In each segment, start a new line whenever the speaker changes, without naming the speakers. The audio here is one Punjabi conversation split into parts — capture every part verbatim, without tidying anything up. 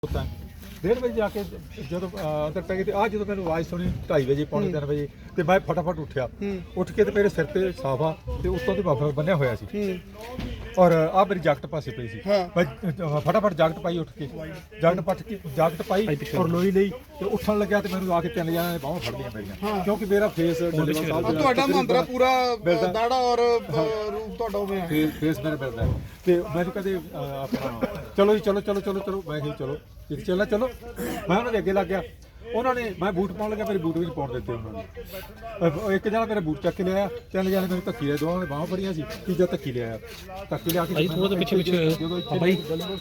होता है डेढ़ बजे जाके जो अंदर पै गए आज जो मैंने आवाज़ सुनी ढाई बजे पौने तीन बजे तो मैं फटाफट उठा उठ के तो मेरे सिर पर साफा तो उत्तों तो बफर बनिया होया सी और आ मेरी जैकट पासे पई सी मैं फटाफट जैकट पाई उठ के जैकट पट के जैकट पाई और लोई ली तो उठन लग्या तो मैंने आके तीन जणियां ने बाहों फड़ लिया मेरियां क्योंकि मेरा फेस
ਤੁਹਾਡਾ ਮੰਦਰਾ ਪੂਰਾ ਦਾੜਾ ਔਰ ਰੂਪ ਤੁਹਾਡਾ ਹੋਵੇ
फेस मेरे मिलता है तो मैंने कहते अपना चलो जी चलो चलो चलो चलो मैं चलो चलना चलो मैं उन्होंने अगे लग गया उन्होंने मैं बूट पाउन लगा मेरे बूट भी पाउन देते उन्होंने एक जना मेरा बूट चक के लिया तीन जने मेरे धक्की लिया दोवां ने बाਹਾਂ फड़ियां सी तीजा धक्की लिया धक्की लिया के
थोड़ा पिछे पिछे भाई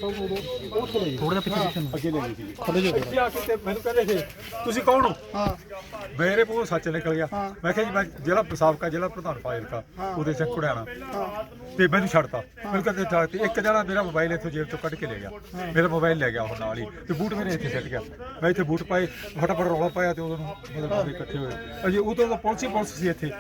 थोड़ा पिछे पिछे अगे ले गई सी खड़े जो आ के ते मैनू कहंदे थे ਤੁਸੀਂ ਕੌਣ ਹੋ ਹਾਂ ਮੇਰੇ ਮੂੰਹੋਂ ਸੱਚ ਨਿਕਲ ਗਿਆ ਮੈਂ ਕਿਹਾ ਜੀ ਮੈਂ ਜ਼ਿਲ੍ਹਾ ਸਾਬਕਾ ਜ਼ਿਲ੍ਹਾ ਪ੍ਰਧਾਨ ਫਾਜ਼ਿਲਕਾ ਉਹਦੇ ਸੇ ਕੁੜਿਆਣਾ ਤੇ ਮੈਨੂੰ ਛੱਡਤਾ ਮੈਨੂੰ ਕਹਿੰਦੇ ਠਾ ਤੇ ਇੱਕ ਜਣਾ ਮੇਰਾ ਮੋਬਾਈਲ ਇੱਥੋਂ ਜੇਬ ਚੋਂ ਕੱਢ ਕੇ ਲੈ ਗਿਆ ਮੇਰਾ ਮੋਬਾਈਲ ਲੈ ਗਿਆ ਉਹ ਨਾਲ ਹੀ ਤੇ ਬੂਟ ਮੇਰੇ ਇੱਥੇ ਸਿੱਟ ਗਿਆ ਮੈਂ ਇੱਥੇ ਬੂਟ ਪਾਏ ਫਟਾਫਟ ਰੌਲਾ ਪਾਇਆ ਤੇ ਉਦੋਂ ਮਤਲਬ ਸਾਰੇ ਇਕੱਠੇ ਹੋਏ ਅਜੇ ਉਦੋਂ ਤਾਂ ਪੁਲਿਸ ਹੀ ਪੁਲਿਸ ਸੀ ਇੱਥੇ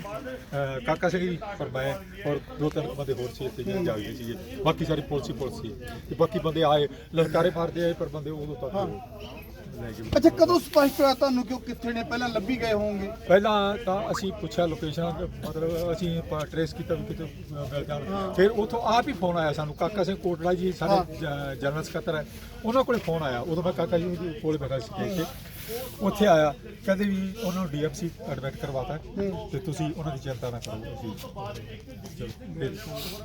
ਕਾਕਾ ਸਿੰਘ ਜੀ ਫਰਮਾਇਆ ਔਰ ਦੋ ਤਿੰਨ ਬੰਦੇ ਹੋਰ ਸੀ ਇੱਥੇ ਜਿਹੜੇ ਜਾਗਦੇ ਸੀਗੇ ਬਾਕੀ ਸਾਰੀ ਪੁਲਿਸ ਹੀ ਪੁਲਿਸ ਸੀ ਤੇ ਬਾਕੀ ਬੰਦੇ ਆਏ ਲਲਕਾਰੇ ਮਾਰਦੇ ਆਏ ਪਰ ਬੰਦੇ ਉਦੋਂ ਤੱਕ
ਅੱਛਾ ਕਦੋਂ ਸਪਸ਼ਟ ਹੋਇਆ ਤੁਹਾਨੂੰ ਕਿ ਉਹ ਕਿੱਥੇ ਨੇ ਪਹਿਲਾਂ ਲੱਭੀ ਗਏ ਹੋਣਗੇ
ਪਹਿਲਾਂ ਤਾਂ ਅਸੀਂ ਪੁੱਛਿਆ ਲੋਕੇਸ਼ਨ ਮਤਲਬ ਅਸੀਂ ਟਰੇਸ ਕੀਤਾ ਵੀ ਕਿਤੇ ਮਿਲ ਜਾਣ ਫਿਰ ਉੱਥੋਂ ਆਪ ਹੀ ਫੋਨ ਆਇਆ ਸਾਨੂੰ ਕਾਕਾ ਸਿੰਘ ਕੋਟੜਾ ਜੀ ਸਾਡੇ ਜਨਰਲ ਸਕੱਤਰ ਹੈ ਉਹਨਾਂ ਕੋਲੇ ਫੋਨ ਆਇਆ ਉਦੋਂ ਮੈਂ ਕਾਕਾ ਜੀ ਦੇ ਕੋਲੇ ਬੈਠਾ ਸੀ ਇੱਥੇ ਉੱਥੇ ਆਇਆ ਕਹਿੰਦੇ ਵੀ ਉਹਨਾਂ ਨੂੰ ਡੀ ਐਫ ਸੀ ਐਡਮਿਟ ਕਰਵਾਤਾ ਤੇ ਤੁਸੀਂ ਉਹਨਾਂ ਦੀ ਚਿੰਤਾ ਨਾ ਕਰੋ ਅਸੀਂ ਚਲੋ ਫਿਰ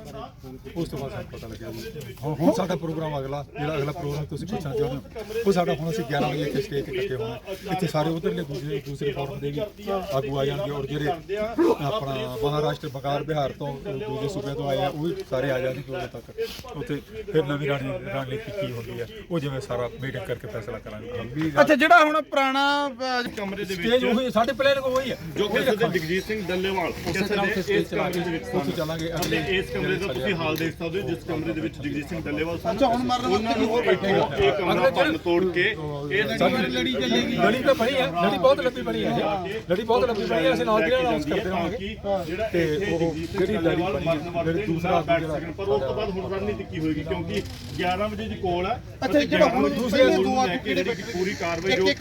ਉਸ ਤੋਂ ਬਾਅਦ ਸਾਨੂੰ ਪਤਾ ਲੱਗਿਆ ਵੀ ਹੁਣ ਹੁਣ ਸਾਡਾ ਪ੍ਰੋਗਰਾਮ ਅਗਲਾ ਜਿਹੜਾ ਅਗਲਾ ਪ੍ਰੋਗਰਾਮ ਤੁਸੀਂ ਪੁੱਛਣਾ ਚਾਹੁੰਦੇ ਹੋ ਉਹ ਸਾਡਾ ਹੁਣ ਅਸੀਂ ਗਿਆਰਾਂ ਵਜੇ ਇੱਥੇ ਸਟੇਜ ਤੇ ਇਕੱਠੇ ਹੋਣਾ ਇੱਥੇ ਸਾਰੇ ਉਧਰਲੇ ਦੂਸਰੇ ਦੂਸਰੇ ਫੋਰਮ ਦੇ ਵੀ ਆਗੂ ਆ ਜਾਣਗੇ ਔਰ ਜਿਹੜੇ ਆਪਣਾ ਮਹਾਰਾਸ਼ਟਰ ਬੰਗਾਲ ਬਿਹਾਰ ਤੋਂ ਦੂਜੇ ਸੂਬਿਆਂ ਤੋਂ ਆਏ ਆ ਉਹ ਵੀ ਸਾਰੇ ਆ ਜਾਣਗੇ ਉਦੋਂ ਤੱਕ ਉੱਥੇ ਫਿਰ ਨਵੀਂ ਰਾਣੀ ਰਣਨੀਤੀ ਕੀ ਹੁੰਦੀ ਹੈ ਉਹ ਜਿਵੇਂ ਸਾਰਾ ਮੀਟਿੰਗ ਕਰਕੇ ਫੈਸਲਾ ਕਰਾਂਗੇ
ਅੱਛਾ ਜਿਹੜਾ ਹੁਣ ਪੁਰਾਣਾ
ਕਮਰੇ ਦੇ
ਸਟੇਜ ਉਹੀ ਸਾਡੇ ਪਲਾਨ ਕੋ ਹੋਈ ਹੈ
ਜੋ ਕਿਸੇ ਦੇ ਜਗਜੀਤ ਸਿੰਘ ਡੱਲੇਵਾਲ
ਉਸੇ ਤਰ੍ਹਾਂ ਉੱਥੇ ਸਟੇਜ ਚਲਾ ਕੇ ਉੱਥੇ ਚੱਲਾਂਗੇ
ਅਤੇ ਇਸ ਕਮਰੇ ਦਾ ਤੁਸੀਂ ਹਾਲ ਦੇਖ ਸਕਦੇ ਹੋ ਜਿਸ ਕਮਰੇ ਦੇ ਵਿੱਚ ਜਗਜੀਤ ਸਿੰਘ ਡੱਲੇਵਾਲ ਸਨ
ਅੱਛਾ ਹੁਣ ਮਰਨ
ਉਹਨਾਂ ਨੂੰ ਉਹ ਬੈਠੇ ਇਹ ਕਮਰਾ ਬੰਦ ਤੋੜ ਕੇ ਇਹ
ਲੜੀ ਚੱਲੇਗੀ ਲੜੀ ਤਾਂ ਬਣੀ ਹੈ ਲੜੀ ਬਹੁਤ ਲੰਬੀ ਬਣੀ ਹੈ ਲੜੀ ਬਹੁਤ ਲੰਬੀ ਬਣੀ ਹੈ ਅਸੀਂ ਨਾਲ ਦੀ ਅਨਾਉਂਸ ਕਰਦੇ ਰਹਾਂਗੇ ਤੇ ਉਹ ਜਿਹੜੀ ਲੜੀ ਬਣੀ ਹੈ ਜਿਹੜੀ ਦੂਸਰਾ
ਪਰ ਉਸ ਤੋਂ ਬਾਅਦ ਹੁਣ ਰਣਨੀਤੀ ਕੀ ਹੋਏਗੀ ਕਿਉਂਕਿ ਗਿਆਰਾਂ ਵਜੇ ਦੀ ਕੋਲ ਹੈ
ਅੱਛਾ ਜਿਹੜਾ ਹੁਣ ਦੂਸਰੇ ਦੋ ਆ
ਜਿਹੜੀ ਪੂਰੀ ਕਾਰਵਾਈ ਜੋ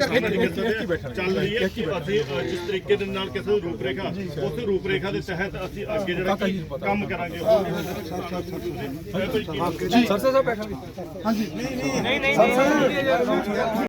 ਚੱਲ ਰਹੀ ਹੈ ਅਸੀਂ ਜਿਸ ਤਰੀਕੇ ਦੇ ਨਾਲ ਕਿਸੇ ਨੂੰ ਰੂਪਰੇਖਾ ਉਸ ਰੂਪਰੇਖਾ ਦੇ ਤਹਿਤ ਅਸੀਂ ਅੱਗੇ ਜਿਹੜਾ ਕੰਮ ਕਰਾਂਗੇ
ਸਰਸਾ ਸਾਹਿਬ ਬੈਠਾਂਗੇ
ਹਾਂਜੀ ਨਹੀਂ ਨਹੀਂ ਨਹੀਂ